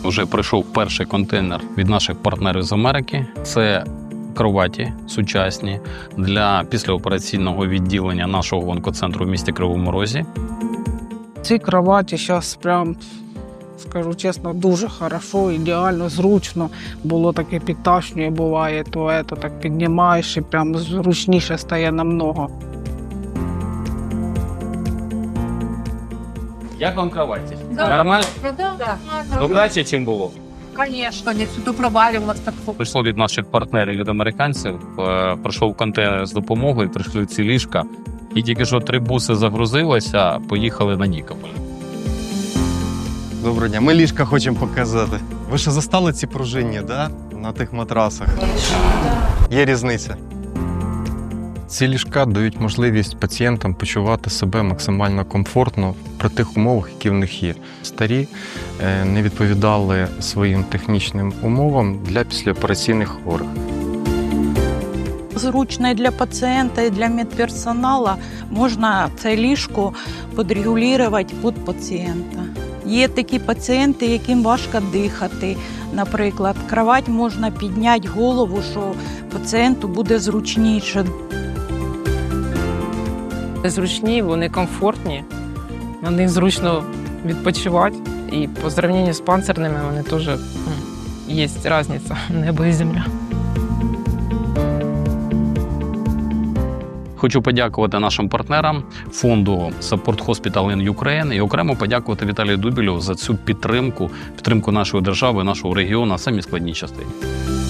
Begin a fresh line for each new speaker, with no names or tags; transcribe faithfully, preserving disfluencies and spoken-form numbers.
Вже прийшов перший контейнер від наших партнерів з Америки. Це кроваті сучасні для післяопераційного відділення нашого онкоцентру в місті Кривому Розі.
Ці кроваті зараз прям, скажу чесно, дуже хорошо, ідеально, зручно. Було таке підташнює, буває, то ето, так піднімаєш і прям зручніше стає намного.
Як вам кроваті?
Да.
Нормально?
Да, да.
Ну, краще, чим було.
Конечно, не сюди провалювалось так.
Прийшло від наших партнерів, від американців, е, прийшов контейнер з допомогою, прийшли ці ліжка. І тільки що три буси загрузилися, поїхали на Нікополь.
Доброго дня, ми ліжка хочемо показати. Ви ще застали ці пружинні, да? На тих матрасах? Є різниця. Ці ліжка дають можливість пацієнтам почувати себе максимально комфортно при тих умовах, які в них є. Старі е, не відповідали своїм технічним умовам для післяопераційних хворих.
Зручно і для пацієнта, і для медперсоналу. Можна це ліжко підрегулювати під пацієнта. Є такі пацієнти, яким важко дихати. Наприклад, кровать можна підняти голову, що пацієнту буде зручніше.
Зручні, вони комфортні, на них зручно відпочивати. І по зрівнянню з панцирними вони теж є різниця, небо і земля.
Хочу подякувати нашим партнерам, фонду Support Hospital in Ukraine і окремо подякувати Віталію Дубілю за цю підтримку, підтримку нашої держави, нашого регіону в самі складні часи.